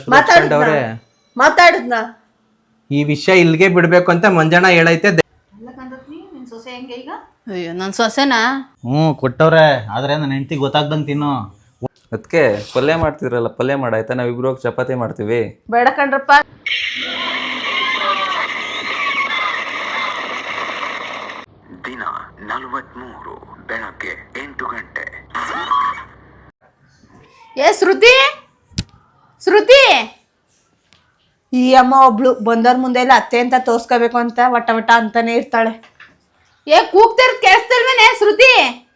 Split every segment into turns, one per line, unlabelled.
ಮಾತಾಡವ್ರೆ
ಮಾತಾಡದ್ನ
ಈ ವಿಷಯ ಇಲ್ಲಿಗೆ ಬಿಡ್ಬೇಕು ಅಂತ ಮಂಜಣ್ಣ ಹೇಳೈತೆ.
ಅಯ್ಯೋ ನನ್ ಸೊಸೆನಾ?
ಕೊಟ್ಟವ್ರೆ, ಆದ್ರೆ ನನ್ನ ಹೆಂಡತಿ ಗೊತ್ತಾಗ್ದಂಗೆ ತಿನ್ನು.
ಅದಕ್ಕೆ ಪಲ್ಯ ಮಾಡ್ತಿದ್ರಲ್ಲ, ಪಲ್ಯ ಮಾಡಾಯ್ತಾ? ನಾವಿಬ್ರು ಹೋಗಿ ಚಪಾತಿ ಮಾಡ್ತೀವಿ.
ಬೇಡ ಕಣ್ರಪ್ಪ.
ದಿನ 43 ಬೆಳಗ್ಗೆ 8 ಗಂಟೆ.
ಶ್ರುತಿ ಶ್ರುತಿ
ಈ ಅಮ್ಮ ಒಬ್ಳು ಬಂದವ್ರ ಮುಂದೆ ಎಲ್ಲ ಅತ್ತೆ ಅಂತ ತೋರ್ಸ್ಕೋಬೇಕು ಅಂತ ವಟ ವಟ ಅಂತಾನೆ ಇರ್ತಾಳೆ.
ಕೂಗ್ತಿರ್ ಕೇಳಿಸ್ತಿಲ್ವೇನೆ ಶ್ರುತಿ?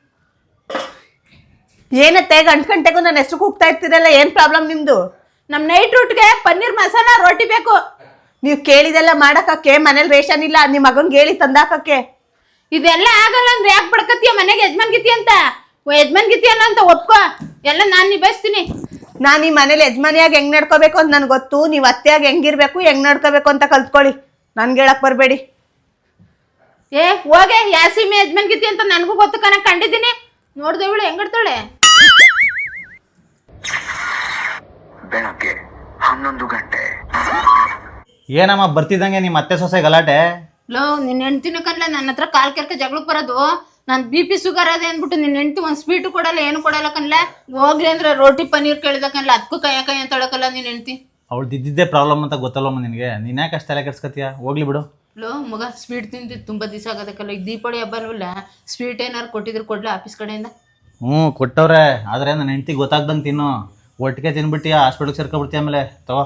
ಏನತ್ತೆ ಗಂಟೆಗೂ ನನ್ನ ಹೆಸರು ಕೂಗ್ತಾ ಇರ್ತೀರಲ್ಲ, ಏನ್ ಪ್ರಾಬ್ಲಮ್ ನಿಮ್ದು?
ನಮ್ ನೈಟ್ ಊಟ್ಗೆ ಪನ್ನೀರ್ ಮಸಾಲ ರೋಟಿ ಬೇಕು.
ನೀವ್ ಕೇಳಿದೆಲ್ಲ ಮಾಡಕ್ಕೆ ಮನೇಲಿ ರೇಷನ್ ಇಲ್ಲ, ನಿಮ್ ಮಗನ್ಗೆ ಹೇಳಿ ತಂದಾಕಕ್ಕೆ.
ಇದೆಲ್ಲ ಆಗಲ್ಲ ಅಂದ್ರೆ ಯಾಕೆ ಬಡ್ಕತ್ತೀಯ? ಮನೆಗೆ ಯಜಮಾನ್ ಗಿತಿ ಅಂತ ಯಜಮಾನ್ ಗಿತಿ ಅಲ್ಲ ಅಂತ ಒಪ್ಕೋ, ಎಲ್ಲ ನಾನ್ ನಿಭಾಯಿಸ್ತೀನಿ.
ನಾನ್ ಈ ಮನೇಲಿ ಯಜಮಾನಿಯಾಗಿ ಹೆಂಗ್ ನಡ್ಕೋಬೇಕು ಅಂತ ನನ್ಗೆ ಗೊತ್ತು. ನೀವ್ ಅತ್ತೆಯಾಗಿ ಹೆಂಗಿರ್ಬೇಕು, ಹೆಂಗ್ ನಡ್ಕೋಬೇಕು ಅಂತ ಕಲ್ತ್ಕೊಳ್ಳಿ. ನನ್ಗೆ ಹೇಳಕ್ ಬರ್ಬೇಡಿ.
ಹೋಗೆ ಯಾಸಿಮೆ ಯಜಮಾನ್ ಗಿತಿ ಅಂತ ನನ್ಗೂ ಗೊತ್ತು ಕಣ, ಕಂಡಿದ್ದೀನಿ. ನೋಡ್ದೆ ಇವಳು ಹೆಂಗಿಡ್ತಾಳೆ.
ಬೆಳಗ್ಗೆ 11 ಗಂಟೆ.
ಏನಮ್ಮ ಬರ್ತಿದ್ದಂಗೆ ನಿಮ್ಮ ಅತ್ತೆ ಸೊಸೆ ಗಲಾಟೆ?
ನಿನ್ನ ಹೆಂಡ್ತಿನ ಕನ್ಲ ನನ್ನ ಹತ್ರ ಕಾಲ್ ಕೆರ್ಕ ಜಗಳಕ್ಕೆ ಬರೋದು. ನಾನು BP ಶುಗರ್ ಅದೇ ಅಂದ್ಬಿಟ್ಟು ನಿನ್ನ ಹೆಂಡ್ತಿ ಒಂದು ಸ್ವೀಟು ಕೊಡಲ್ಲ, ಏನು ಕೊಡಲ್ಲ ಕನ್ಲ. ಹೋಗ್ಲಿ ಅಂದ್ರೆ ರೋಟಿ ಪನ್ನೀರ್ ಕೇಳಿದ ಕನ್ಲ, ಅದಕ್ಕೂ ಕೈ ಅಂತ ಹೇಳಕಲ್ಲ ನಿನ್ನ ಹೆಂಡ್ತಿ.
ಅವಳು ದಿದ್ದಿದ್ದೇ ಪ್ರಾಬ್ಲಮ್ ಅಂತ ಗೊತ್ತಲ್ಲಮ್ಮ ನಿನಗೆ. ನೀನು ಯಾಕೆ ಅಷ್ಟು ತಲೆ ಕೆಡ್ಸ್ಕೊತೀಯ? ಹೋಗ್ಲಿ ಬಿಡು.
ಮಗ ಸ್ವೀಟ್ ತಿಂದು ತುಂಬಾ ದಿವಸ ಆಗೋದಕ್ಕಲ್ಲ. ಈಗ ದೀಪಾವಳಿ ಹಬ್ಬ ಅಲ್ವಲ್ಲ, ಸ್ವೀಟ್ ಏನಾರು ಕೊಟ್ಟಿದ್ರು ಕೊಡ್ಲ ಆಫೀಸ್ ಕಡೆಯಿಂದ?
ಕೊಟ್ಟವ್ರೆ, ಆದರೆ ನನ್ನ ಹೆಂಡ್ತಿ ಗೊತ್ತಾಗ್ದಂಗೆ ತಿನ್ನು. ಒಟ್ಟಿಗೆ ತಿನ್ಬಿಟ್ಟಿಯಾ ಹಾಸ್ಪಿಟ್ಲಿಗೆ ಸೇರ್ಕೊಬಿಡ್ತೀಯ ಆಮೇಲೆ. ತಗೋ.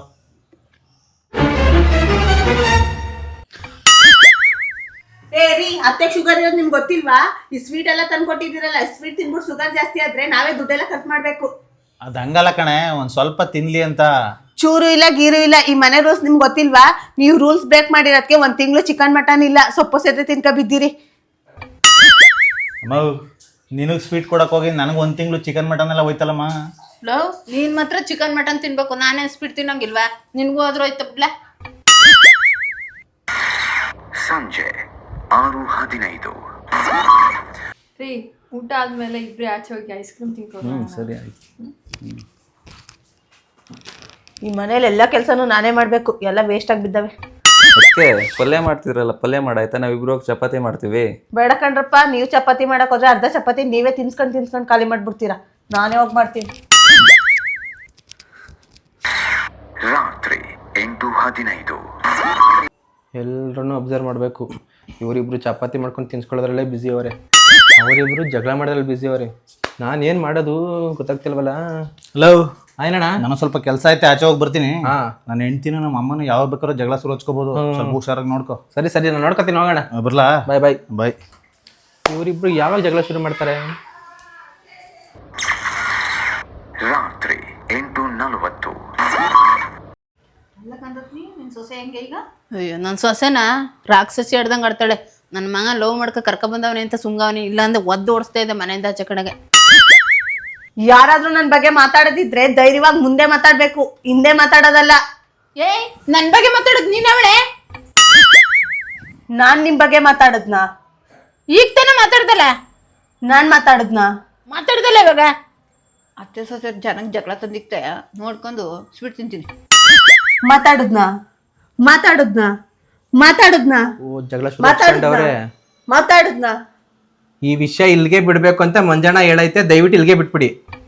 ಅತ್ತೆ ಶುಗರ್ ಇರೋದು ನಿಮ್ಗೆ ಗೊತ್ತಿಲ್ವಾ? ಈ ಸ್ವೀಟ್ ಎಲ್ಲ ತಂದು ಕೊಟ್ಟಿದ್ದೀರಲ್ಲ, ಸ್ವೀಟ್ ತಿನ್ಬಿಟ್ಟು ಶುಗರ್ ಜಾಸ್ತಿ ಆದ್ರೆ ನಾವೇ ದುಡ್ಡೆಲ್ಲ ಖರ್ಚು ಮಾಡ್ಬೇಕು.
ಅದು ಹಂಗಲ್ಲ ಕಣೆ, ಒಂದು ಸ್ವಲ್ಪ ತಿನ್ಲಿ ಅಂತ.
ಚೂರು ಇಲ್ಲ ಗೀರು ಇಲ್ಲ. ಈ ಮನೆ ರೂಲ್ಸ್ ನಿಮ್ಗೆ ಗೊತ್ತಿಲ್ವಾ? ನೀವು ರೂಲ್ಸ್ ಬ್ರೇಕ್ ಮಾಡಿರೋದಕ್ಕೆ 1 ತಿಂಗಳು ಚಿಕನ್ ಮಟನ್ ಇಲ್ಲ, ಸೊಪ್ಪು ಸೇದ್ರೆ ತಿನ್ಕ ಬಿದ್ದೀರಿ.
ಅಮ್ಮ, ನಿನಗೆ ಸ್ವೀಟ್ ಕೊಡಕ್ಕೆ ಹೋಗಿ ನನಗೆ 1 ತಿಂಗಳು ಚಿಕನ್ ಮಟನ್ ಎಲ್ಲ ಹೋಯ್ತಲ್ಲಮ್ಮ.
ನೀನ್ ಮಾತ್ರ ಚಿಕನ್ ಮಟನ್ ತಿನ್ಬೇಕು, ನಾನೇ ಸ್ವೀಟ್ ತಿನ್ನೋಂಗಿಲ್ವಾ? ನಿನ್ಗೂ ಆದ್ರೂ ಆಯ್ತು ಬಿಡ್ಲ.
ಸಂಜೆ 6:15.
ರೀ, ಊಟ ಆದ್ಮೇಲೆ ಇಬ್ರು ಆಚೆ ಹೋಗಿ ಐಸ್ ಕ್ರೀಮ್ ತಿನ್ಕೊಂಡು.
ಸರಿ ಆಯ್ತು.
ಈ ಮನೇಲಿ ಎಲ್ಲ ಕೆಲಸನೂ ನಾನೇ ಮಾಡ್ಬೇಕು, ಎಲ್ಲ ವೇಸ್ಟ್ ಆಗಿ ಬಿದ್ದಾವೆ.
ಅದಕ್ಕೆ ಪಲ್ಯ ಮಾಡ್ತಿದ್ರಲ್ಲ, ಪಲ್ಯ ಮಾಡಾಯ್ತಾ? ನಾವಿಬ್ರು ಹೋಗಿ ಚಪಾತಿ ಮಾಡ್ತೀವಿ.
ಬೇಡ ಕಣ್ರಪ್ಪ, ನೀವು ಚಪಾತಿ ಮಾಡಕ್ ಹೋದ್ರೆ ಅರ್ಧ ಚಪಾತಿ ನೀವೇ ತಿನ್ಸ್ಕೊಂಡು ಖಾಲಿ ಮಾಡ್ಬಿಡ್ತೀರಾ. ನಾನೇ ಹೋಗಿ ಮಾಡ್ತೀನಿ.
ರಾತ್ರಿ 8:15.
ಎಲ್ಲರನ್ನೂ ಅಬ್ಸರ್ವ್ ಮಾಡಬೇಕು. ಇವರಿಬ್ರು ಚಪಾತಿ ಮಾಡ್ಕೊಂಡು ತಿನ್ಸ್ಕೊಳ್ಳೋದ್ರಲ್ಲೇ ಬ್ಯುಸಿ ಅವರೇ, ಅವರಿಬ್ರು ಜಗಳ ಮಾಡೋದ್ರಲ್ಲಿ ಬ್ಯುಸಿ ಅವರೇ. ನಾನು ಏನು ಮಾಡೋದು ಗೊತ್ತಾಗ್ತಿಲ್ವಲ್ಲ.
ಹಲೋ ಆಯ್ನಣ್ಣ, ನಾನು ಸ್ವಲ್ಪ ಕೆಲಸ ಐತೆ, ಆಚೆ ಹೋಗಿ ಬರ್ತೀನಿ. ನನ್ನ ಹೆಂಡ್ತಿನ ನಮ್ಮ ಅಮ್ಮನ ಯಾವಾಗ ಬೇಕಾದ್ರೂ ಜಗಳ ಶುರು ಹಚ್ಕೋಬೋದು. ಸ್ವಲ್ಪ ಹುಷಾರಾಗಿ ನೋಡ್ಕೊ.
ಸರಿ ಸರಿ, ನಾನು ನೋಡ್ಕೊತೀನಿ, ಹೋಗೋಣ.
ಬರ್ಲಾ?
ಬಾಯ್ ಬಾಯ್
ಬಾಯ್.
ಇವರಿಬ್ರು ಯಾವಾಗ ಜಗಳ ಶುರು ಮಾಡ್ತಾರೆ?
ರಾತ್ರಿ 8:40.
ಅಯ್ಯೋ ನನ್ನ ಸೊಸೆನಾ ರಾಕ್ಷಸಿ ಹಿಡ್ದಂಗೆ ಆಡ್ತಾಳೆ. ನನ್ನ ಮಗ ಲವ್ ಮಾಡ್ಕ ಕರ್ಕ ಬಂದವನೇ ಅಂತ ಸುಂಗವನಿ, ಇಲ್ಲಾಂದ್ರೆ ಒದ್ದು ಓಡಿಸ್ತಾ ಇದ್ದೆ ಮನೆಯಿಂದ ಆಚೆ ಕಡೆಗೆ.
ಯಾರಾದ್ರೂ ನನ್ನ ಬಗ್ಗೆ ಮಾತಾಡೋದಿದ್ರೆ ಧೈರ್ಯವಾಗಿ ಮುಂದೆ ಮಾತಾಡ್ಬೇಕು, ಹಿಂದೆ ಮಾತಾಡೋದಲ್ಲ.
ನನ್ನ ಬಗ್ಗೆ ಮಾತಾಡೋದು ನೀನ್ ಅವಳೆ?
ನಾನ್ ನಿಮ್ ಬಗ್ಗೆ ಮಾತಾಡದ್ನಾ?
ಈಗ ತಾನೇ ಮಾತಾಡ್ದಲ್ಲ.
ನಾನ್
ಮಾತಾಡ್ದಲ್ಲ ಇವಾಗ. ಅತ್ತೆ ಸೊಸೆ ಜನಕ್ಕೆ ಜಗಳ ತಂದಿಕ್ತಾಯ ನೋಡ್ಕೊಂಡು ಸ್ವೀಟ್ ತಿಂತೀನಿ.
ಮಾತಾಡದ್ನಾ?
ಓ, ಜಗಳ ಶುರು ಮಾಡ್ಕೊಂಡವ್ರೆ.
ಮಾತಾಡದ್ನಾ?
ಈ ವಿಷಯ ಇಲ್ಲಿಗೆ ಬಿಡ್ಬೇಕು ಅಂತ ಮಂಜಣ್ಣ ಹೇಳೈತೆ, ದಯವಿಟ್ಟು ಇಲ್ಲಿಗೆ ಬಿಟ್ಬಿಡಿ.